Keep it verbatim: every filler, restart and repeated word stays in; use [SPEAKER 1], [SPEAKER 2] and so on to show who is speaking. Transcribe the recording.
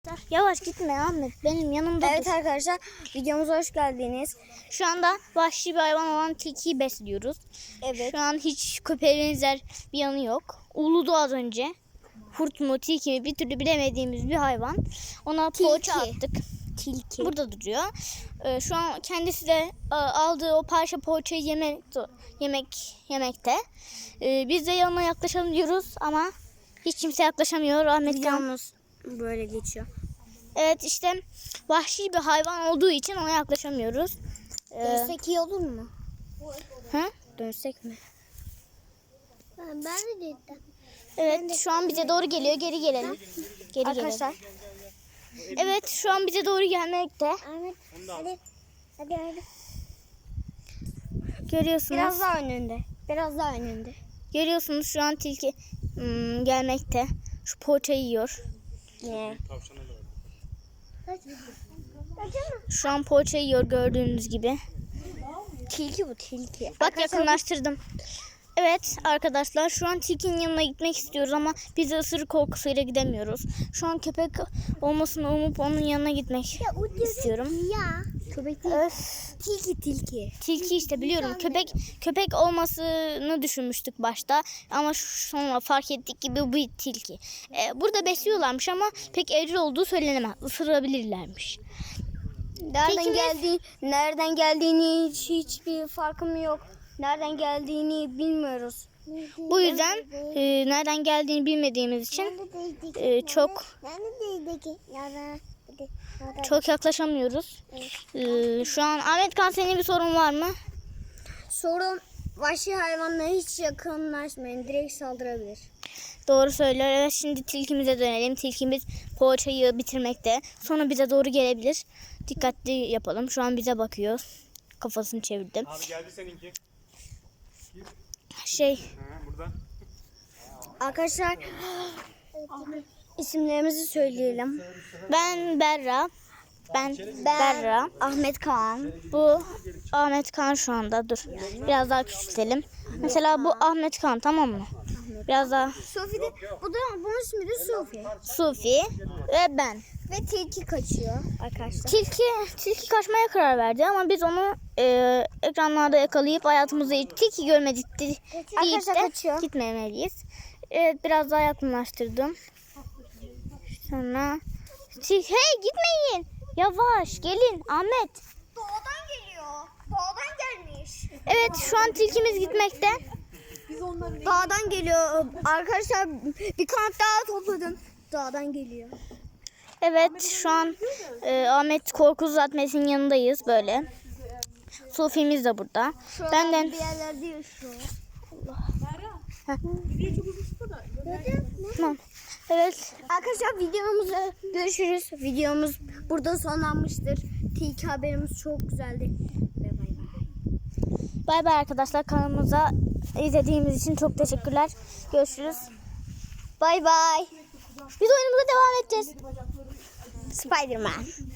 [SPEAKER 1] arkadaşlar. Yavaş gitme Ahmet. Benim yanımda
[SPEAKER 2] Evet
[SPEAKER 1] dur.
[SPEAKER 2] arkadaşlar, videomuza hoş geldiniz.
[SPEAKER 1] Şu anda vahşi bir hayvan olan tilkiyi besliyoruz.
[SPEAKER 2] Evet.
[SPEAKER 1] Şu an hiç köpeğe benzer bir yanı yok. Uludu az önce. Kurt mu tilki mi bir türlü bilemediğimiz bir hayvan. Ona poğaça attık.
[SPEAKER 2] Tilki.
[SPEAKER 1] Burada duruyor. Ee, şu an kendisi de e, aldığı o parça poğaçayı yemek yemek yemekte. Ee, biz de yanına yaklaşalım diyoruz ama hiç kimse yaklaşamıyor. Ahmet Kan.
[SPEAKER 2] Videomuz böyle geçiyor.
[SPEAKER 1] Evet işte vahşi bir hayvan olduğu için ona yaklaşamıyoruz. Ee,
[SPEAKER 2] Dönsek iyi olur mu?
[SPEAKER 1] ha?
[SPEAKER 2] Dönsek mi? Ben, ben de dedim.
[SPEAKER 1] Evet şu an bize doğru geliyor. Geri gelelim. Geri
[SPEAKER 2] Arkadaşlar.
[SPEAKER 1] gelelim. Evet şu an bize doğru gelmekte.
[SPEAKER 2] Ahmet hadi. Hadi hadi.
[SPEAKER 1] Görüyorsunuz.
[SPEAKER 2] Biraz daha önünde. Biraz daha önünde.
[SPEAKER 1] Görüyorsunuz şu an tilki hmm, gelmekte. Şu poğaçayı yiyor.
[SPEAKER 2] Ne?
[SPEAKER 1] Şu an poğaçayı yiyor gördüğünüz gibi.
[SPEAKER 2] Tilki bu tilki.
[SPEAKER 1] Bak yakınlaştırdım. Evet arkadaşlar şu an tilkinin yanına gitmek istiyoruz ama biz de ısırık korkusuyla gidemiyoruz. Şu an köpek olmasını umup onun yanına gitmek istiyorum.
[SPEAKER 2] Ya. Köpek değil.
[SPEAKER 1] Öf.
[SPEAKER 2] Tilki tilki.
[SPEAKER 1] Tilki işte biliyorum. Köpek köpek olmasını düşünmüştük başta ama sonra fark ettik ki bu bir tilki. Ee, burada besliyorlarmış ama pek evcil olduğu söylenemez. Isırabilirlermiş.
[SPEAKER 2] Nereden
[SPEAKER 1] Tilkimiz-
[SPEAKER 2] geldiği, nereden geldiğini hiç hiçbir farkım yok. Nereden geldiğini bilmiyoruz.
[SPEAKER 1] Bu yüzden e, nereden geldiğini bilmediğimiz için e, çok çok yaklaşamıyoruz. E, şu an Ahmet Kan senin bir sorun var mı?
[SPEAKER 2] Sorun, vahşi hayvanlara hiç yakınlaşmayın. Direkt saldırabilir.
[SPEAKER 1] Doğru söylüyor. Evet şimdi tilkimize dönelim. Tilkimiz poğaçayı bitirmekte. Sonra bize doğru gelebilir. Dikkatli yapalım. Şu an bize bakıyor. Kafasını çevirdi.
[SPEAKER 3] Abi geldi seninki.
[SPEAKER 1] Şey
[SPEAKER 3] Ha, burada.
[SPEAKER 2] Arkadaşlar isimlerimizi söyleyelim.
[SPEAKER 1] ben Berra. Ben Berra.
[SPEAKER 2] Ahmet Kaan.
[SPEAKER 1] Bu Ahmet Kan şu anda. Dur. Biraz daha küçültelim. Mesela bu Ahmet Kan tamam mı? Biraz daha
[SPEAKER 2] Sofi de, bu da bunun ismi de Sofi.
[SPEAKER 1] Sufi ve ben.
[SPEAKER 2] Ve tilki kaçıyor arkadaşlar.
[SPEAKER 1] Tilki tilki kaçmaya karar verdi ama biz onu e, ekranlarda yakalayıp hayatımızda hiç tilki görmedik de- deyip
[SPEAKER 2] Arkadaşlar
[SPEAKER 1] de
[SPEAKER 2] kaçıyor.
[SPEAKER 1] gitmemeliyiz. Evet biraz daha yakınlaştırdım. Sonra tilki hey gitmeyin. Yavaş gelin Ahmet.
[SPEAKER 2] Dağdan geliyor. Dağdan gelmiş.
[SPEAKER 1] Evet şu an tilkimiz gitmekte.
[SPEAKER 2] Dağdan geliyor. Arkadaşlar bir kanat daha topladım. Dağdan geliyor.
[SPEAKER 1] Evet şu an e, Ahmet Korkuz Zatmes'in yanındayız böyle. Sufi'miz de burada.
[SPEAKER 2] Şu an
[SPEAKER 1] Benden
[SPEAKER 2] bir yerlerde yaşıyor.
[SPEAKER 1] tamam. Evet.
[SPEAKER 2] Arkadaşlar videomuzda görüşürüz. Videomuz burada sonlanmıştır. Tilki haberimiz çok güzeldi. Ve bay bay.
[SPEAKER 1] Bay bay arkadaşlar, kanalımıza izlediğimiz için çok teşekkürler. Görüşürüz.
[SPEAKER 2] Bay bay.
[SPEAKER 1] Biz oyunumuza devam edeceğiz.
[SPEAKER 2] Spiderman.